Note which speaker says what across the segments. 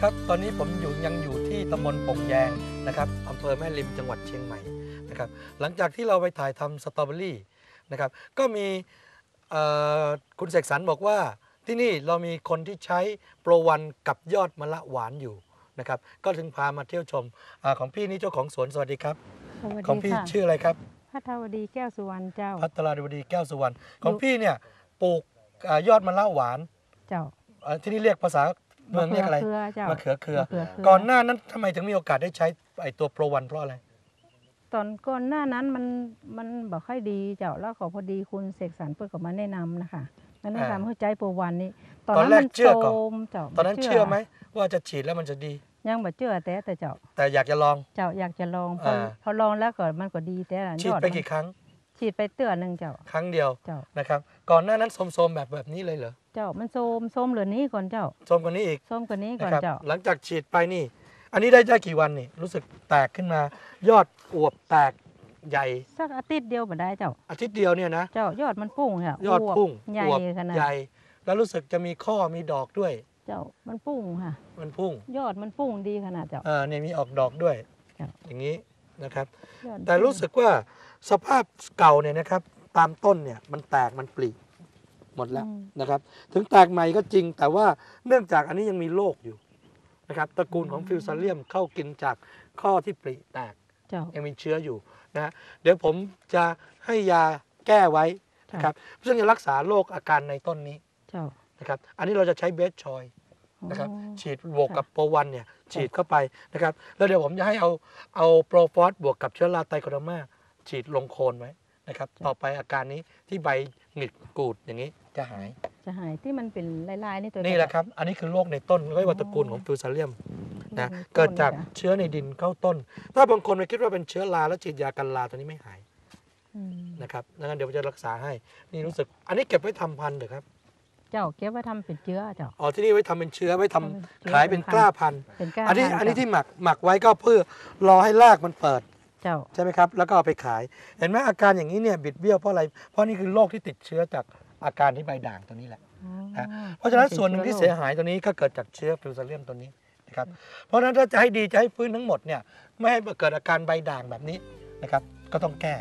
Speaker 1: ครับตอนนี้ผมยังอยู่ที่ตำบลปงแยงนะครับอำเภอแม่ริมจังหวัดเชียงใหม่นะครับหลังจากที่เราไปถ่ายทำสตรอเบอรี่นะครับก็มีคุณเสกสรรบอกว่าที่นี่เรามีคนที่ใช้โปรวันกับยอดมะละหวานอยู่นะครับก็ถึงพามาเที่ยวชมของพี่นี่เจ้าของสวนสวัสดีครับ
Speaker 2: สวัส
Speaker 1: ของ
Speaker 2: ดี
Speaker 1: พี่
Speaker 2: ค่ะ
Speaker 1: ชื่ออะไรครับ
Speaker 2: พัทวดีแก้วสุวรรณเจ้า
Speaker 1: พัทราวดีแก้วสุวรรณของพี่เนี่ยปลูกยอดมะละหวาน
Speaker 2: เจ้า
Speaker 1: ที่นี่เรียกภาษาเมืองเรียกอะไร
Speaker 2: เครือเจ้าม
Speaker 1: ะเขือเครือ
Speaker 2: มะเขือเครือ
Speaker 1: ก่อนหน้านั้นทำไมถึงมีโอกาสได้ใช้ไอตัวโปรวันเพราะอะไร
Speaker 2: ตอนก่อนหน้านั้นมันบอกค่อยดีเจ้าแล้วขอพอดีคุณเสกสรรเปิดก็มาแนะนำนะคะมาแนะนำให้ใจโปรวันนี้
Speaker 1: ตอนแรกเชื่อก่อน
Speaker 2: โทรมเจ้า
Speaker 1: ตอนนั้นเชื่อไหมว่าจะฉีดแล้วมันจะดี
Speaker 2: ยังบ่เชื่อแต่เจ้า
Speaker 1: แต่อยากจะลอง
Speaker 2: เจ้าอยากจะลองพอลองแล้วก็มันก็ดีแต่ละ
Speaker 1: ฉีดไปกี่ครั้ง
Speaker 2: ฉีดไปเตือนหนึ่งเจ้า
Speaker 1: ครั้งเดียว
Speaker 2: เจ้า
Speaker 1: นะครับก่อนหน้านั้นโสมๆแบบนี้เลยเหรอ
Speaker 2: เจ้ามันโซมเหลือนี้ก่อนเจ้า
Speaker 1: โสมกว่านี้อีก
Speaker 2: โซมกว่านี้ก่อ
Speaker 1: นะ
Speaker 2: น
Speaker 1: ครับ
Speaker 2: เจ้า
Speaker 1: หลังจากฉีดไปนี่ อันนี้ได้กี่วันนี่รู้สึกแตกขึ้นมา ยอดอวบแตกใหญ่
Speaker 2: สักอาทิตย์เดียวบ่ได้เจ้า
Speaker 1: อาทิตย์เดียวเนี่ยนะ
Speaker 2: เจ้ายอดมันปุ้งค่ะ
Speaker 1: ยอดพุ่ง
Speaker 2: ใหญ่
Speaker 1: อวบ
Speaker 2: ขนาด
Speaker 1: ใหญ่ แล้วรู้สึกจะมีข้อมีดอกด้วย
Speaker 2: เจ้ามันปุ้งค่ะ
Speaker 1: มันพุ่ง
Speaker 2: ยอดมันปุ้งดีขนาดเจ้า
Speaker 1: เนี่ยมีออกดอกด้วย
Speaker 2: ครับ
Speaker 1: อย่างนี้นะครับ
Speaker 2: ยอด
Speaker 1: แต่รู้สึกว่าสภาพเก่าเนี่ยนะครับ ตามต้นเนี่ยมันแตกมันปลีหมดแล้วนะครับ ถึงแตกใหม่ก็จริง แต่ว่าเนื่องจากอันนี้ยังมีโรคอยู่นะครับตระกูลของฟิวซาเลียมเข้ากินจากข้อที่ปลีแตก
Speaker 2: เจ้า
Speaker 1: ยังมีเชื้ออยู่นะเดี๋ยวผมจะให้ยาแก้ไว้นะครับซึ่งจะรักษาโรคอาการในต้นนี้
Speaker 2: เจ้า
Speaker 1: นะครับอันนี้เราจะใช้เบสชอยนะครับ
Speaker 2: อ๋อ
Speaker 1: ฉีดบวกกับโปรวันเนี่ยฉีดเข้าไปนะครับแล้วเดี๋ยวผมจะให้เอาโปรฟอสบวกกับเชื้อราไตโคโดมาฉีดลงโคนไว้นะครับต่อไปอาการนี้ที่ใบหงิกกูดอย่างนี้จะหาย
Speaker 2: จะหายที่มันเป็นลายๆนี่ตัว
Speaker 1: นี่แหละครับอันนี้คือโรคในต้นเรียกว่าตระกูลของฟิวซาเลียมนะเกิดจากเชื้อในดินเข้าต้น ถ้าบางคนไปคิดว่าเป็นเชื้อราแล้วฉีดยากันราตัวนี้ไม่หาย
Speaker 2: อืม
Speaker 1: นะครับงั้นเดี๋ยวผมจะรักษาให้นี่รู้สึกอันนี้เก็บไว้ทำพันธุ์เหรอครับ
Speaker 2: เจ้าเก็บไว้ทำเป็นเชื้อเจ้า
Speaker 1: อ๋อที่นี่ไว้ทำเป็นเชื้อไว้ทำ
Speaker 2: ทำเป็นเชื้อ
Speaker 1: ขายเป็นกล้าพันธุ์
Speaker 2: เป็นก้า
Speaker 1: อันนี้
Speaker 2: พัธุ์
Speaker 1: อันนี้
Speaker 2: เจ้า
Speaker 1: ที่หมักไว้ก็เพื่อรอให้รากมันเปิด
Speaker 2: เจ้า
Speaker 1: ใช่ไหมครับแล้วก็เอาไปขาย เห็นไหมอาการอย่างนี้เนี่ยบิดเบี้ยวเพราะอะไรเพราะนี่คือโรคที่ติดเชื้อจากอาการที่ใบด่างตัวนี้แหละ
Speaker 2: อ๋อ
Speaker 1: นะเพราะฉะนั้นส่วนหนึ่งที่เสีย
Speaker 2: หาย
Speaker 1: หายตัวนี้ก็เกิดจากเชื้อฟิวซาเลียมตัวนี้นะครับเพราะฉะนั้นถ้าจะให้ดีจะให้ฟื้นทั้งหมดเนี่ยไม่ให้เกิดอาการใบด่างแบบนี้นะครับก็ต้องแก้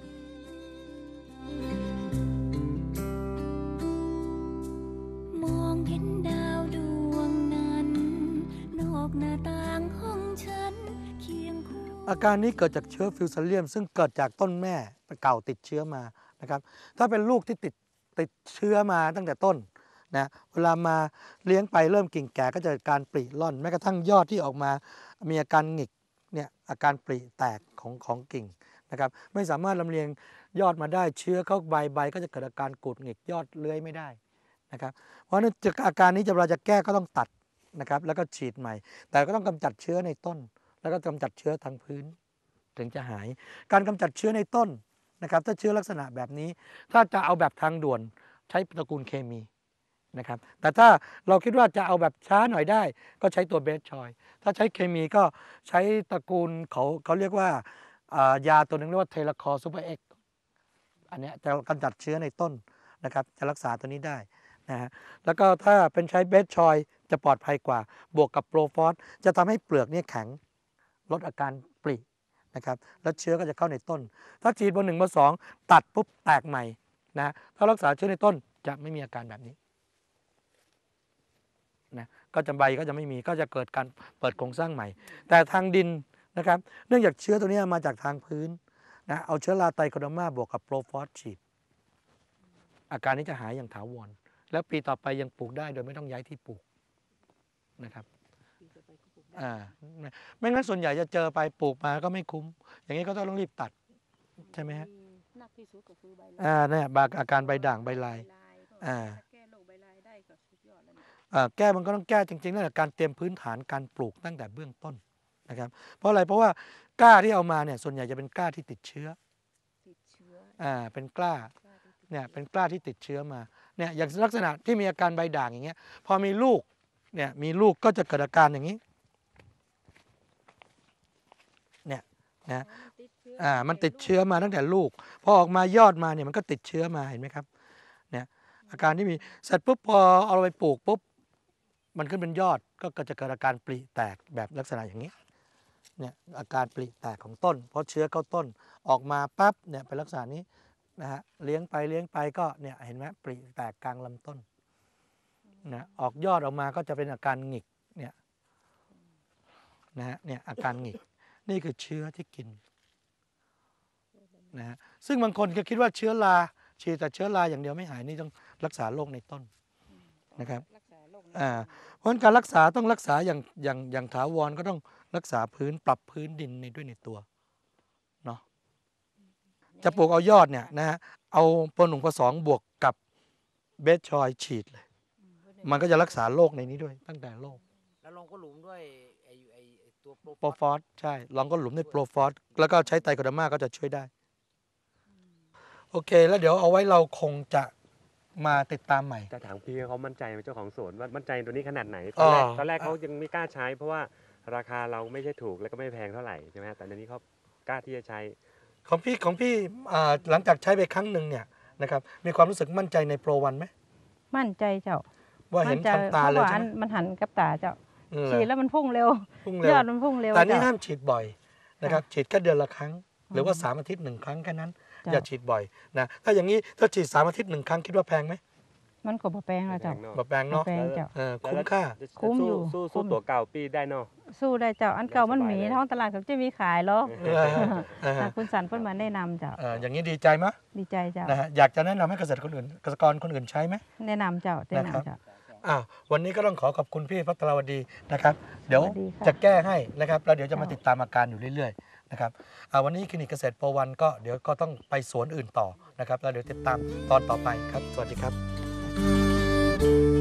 Speaker 3: มองเห็นดาวดวงนั้น นอกหน้าต่างห้องฉันเคียงคู่
Speaker 1: อาการนี้เกิดจากเชื้อฟิวซาเลียมซึ่งเกิดจากต้นแม่เก่าติดเชื้อมานะครับถ้าเป็นลูกที่ติดเชื้อมาตั้งแต่ต้นนะเวลามาเลี้ยงไปเริ่มกิ่งแก่ก็จะเกิดการปริร่อนแม้กระทั่งยอดที่ออกมามีอาการหงิกเนี่ยอาการปริแตกของกิ่งนะครับไม่สามารถลำเลียงยอดมาได้เชื้อเข้าใบก็จะเกิดอาการกูดหงิกยอดเลื้อยไม่ได้นะครับเพราะฉะนั้นอาการนี้เวลาจะแก้ก็ต้องตัดนะครับแล้วก็ฉีดใหม่ แต่ก็ต้องกำจัดเชื้อในต้น แล้วก็กำจัดเชื้อทางพื้นถึงจะหาย การกำจัดเชื้อในต้นนะครับถ้าเชื้อลักษณะแบบนี้ ถ้าจะเอาแบบทางด่วนใช้ตระกูลเคมีนะครับแต่ถ้าเราคิดว่าจะเอาแบบช้าหน่อยได้ ก็ใช้ตัวเบสชอยถ้าใช้เคมีก็ใช้ตระกูลเขาเรียกว่ายาตัวหนึงเรียกว่าเทเลคอร์ซูเปอร์เอ็กอันเนี้ยจะกำจัดเชื้อในต้นนะครับจะรักษาตัวนี้ได้นะฮะแล้วก็ถ้าเป็นใช้เบสชอยจะปลอดภัยกว่าบวกกับโปรฟอสจะทำให้เปลือกเนี่ยแข็ง ลดอาการปรินะครับแล้วเชื้อก็จะเข้าในต้น ถ้าฉีดเบอร์ 1 เบอร์ 2ตัดปุ๊บแตกใหม่นะถ้ารักษาเชื้อในต้นจะไม่มีอาการแบบนี้นะก็จะใบก็จะไม่มีก็จะเกิดการเปิดโครงสร้างใหม่ แต่ทางดินนะครับเนื่องจากเชื้อตัวนี้มาจากทางพื้นนะเอาเชื้อราไตโคโดมาบวกกับโปรฟอสฉีดอาการนี้จะหายอย่างถาวรแล้วปีต่อไปยังปลูกได้โดยไม่ต้องย้ายที่ปลูกนะครับ ไม่งั้นส่วนใหญ่จะเจอไปปลูกมาก็ไม่คุ้ม อย่างนี้ก็ต้องรีบตัดใช่ไหมฮะ
Speaker 2: หนักที่สุดก็คือใบ
Speaker 1: เนี่ยอาการใบด่างใบลาย
Speaker 2: แก้โรคใบลายได้ก็สุดยอดแล้ว
Speaker 1: แก้มันก็ต้องแก้จริงๆนั่นแหละการเตรียมพื้นฐานการปลูกตั้งแต่เบื้องต้นนะครับเพราะอะไรเพราะว่ากล้าที่เอามาเนี่ยส่วนใหญ่จะเป็นกล้าที่ติดเชื้อเป็นกล้าเนี่ยเป็นกล้าที่ติดเชื้อมาเนี่ยอย่างลักษณะที่มีอาการใบด่างอย่างเงี้ยพอมีลูกเนี่ยมีลูกก็จะเกิดอาการอย่างนี้เนี่ยนะมันติดเชื้อมาตั้งแต่ลูกพอออกมายอดมาเนี่ยมันก็ติดเชื้อมาเห็นไหมครับเนี่ยอาการที่มีเสร็จปุ๊บพอเอาไปปลูกปุ๊บมันขึ้นเป็นยอดก็จะเกิดอาการปริแตกแบบลักษณะอย่างนี้เนี่ยอาการปริแตกของต้นเพราะเชื้อเข้าต้นออกมาปั๊บเนี่ยเป็นลักษณะนี้นะฮะเลี้ยงไปก็เนี่ยเห็นไหมปริแตกกลางลำต้นนะออกยอดออกมาก็จะเป็นอาการหงิกเนี่ยนะฮะเนี่ยอาการหงิกนี่คือเชื้อที่กินนะฮะซึ่งบางคนก็คิดว่าเชื้อราฉีดแต่เชื้อราอย่างเดียวไม่หายนี่ต้องรักษาโรคในต้นนะครับเพราะฉะนั้นการรักษาต้องรักษาอย่างถาวรก็ต้องรักษาพื้นปรับพื้นดินด้วยในตัวเนาะจะปลูกเอายอดเนี่ยนะฮะเอาปนหนุ่งผสองบวกกับเบสชอยฉีดเลยมันก็จะรักษาโรคในนี้ด้วยตั้งแต่โรค
Speaker 4: แล้วลงก็หลุมด้วยไอ้ตัวโปร
Speaker 1: โปรฟอสใช่ลองก็หลุมด้วยโปรฟอสแล้วก็ใช้ไตรโคเดอร์มาก็จะช่วยได้โอเคแล้วเดี๋ยวเอาไว้เราคงจะมาติดตามใหม่
Speaker 5: จะถามพี่เขามั่นใจไหมเจ้าของสวนว่ามั่นใจตัวนี้ขนาดไหน
Speaker 1: อ๋อ
Speaker 5: ตอนแรกเขายังไม่กล้าใช้ เพราะว่าราคาเราไม่ใช่ถูกแล้วก็ไม่แพงเท่าไหร่ใช่ไหมแต่ตอนนี้เขากล้าที่จะใช้
Speaker 1: ของพี่หลังจากใช้ไปครั้งหนึ่งเนี่ยนะครับมีความรู้สึกมั่นใจในโปรวันไหม
Speaker 2: มั่นใจเจ้า
Speaker 1: ว่าเห็น
Speaker 2: มั่ใจ
Speaker 1: ทำตาเลย
Speaker 2: พระว่
Speaker 1: ใช่ไหม
Speaker 2: มันหันกับตาเจ้า
Speaker 1: อืม
Speaker 2: ฉีดแล้วมันพุ่งเร็ว
Speaker 1: พุ่งเร็วย
Speaker 2: อดมันพุ่งเร็ว
Speaker 1: แต่นี่
Speaker 2: เจ้า
Speaker 1: ห้ามฉีดบ่อยนะครับฉีดแค่เดือนละครั้ง หรือว่า3 อาทิตย์ 1 ครั้งแค่นั้น
Speaker 2: จ้ะ
Speaker 1: อย่าฉีดบ่อยนะถ้าอย่างนี้ถ้าฉีด3 อาทิตย์ 1 ครั้งคิดว่าแพงไหม
Speaker 2: มันก็บ่แปลงแล้วเจ้า
Speaker 1: แบบแพงเนาะ
Speaker 2: บ่แพงเจ้า
Speaker 1: คุ้มค่า
Speaker 2: คุ้มอยู่
Speaker 5: สู้
Speaker 2: คุ้ม
Speaker 5: ตัวเก่าปีได้เนาะ
Speaker 2: สู้ได้เจ้าอันเก่ามันหมี
Speaker 5: สบายเลย
Speaker 2: ท้องตลาดเขาจะมีขายหรอก
Speaker 1: เออเออ
Speaker 2: คุณสันเพิ่นมาแนะนำเจ้า
Speaker 1: อย่างนี้ดีใจไหม
Speaker 2: ดีใจเจ้า
Speaker 1: นะฮะอยากจะแนะนำให้เกษตรคนอื่นเกษตรกรคนอื่นใช้ไหม
Speaker 2: แนะนำเจ้าแนะ
Speaker 1: นะครับ
Speaker 2: นำเจ้า
Speaker 1: วันนี้ก็ต้องขอบคุณพี่พัทรวดีนะครับ เดี๋ยว
Speaker 2: สวัสดีค่ะ
Speaker 1: จะแก้ให้นะครับแล้วเดี๋ยวจะมา
Speaker 2: ค่ะ
Speaker 1: ติดตามอาการอยู่เรื่อยๆนะครับวันนี้คลินิกเกษตรโปรวันก็เดี๋ยวก็ต้องไปสวนอื่นต่อนะครับแล้วเดี๋ยวติดตามตอนต่อไปครับ สวัสดีครับ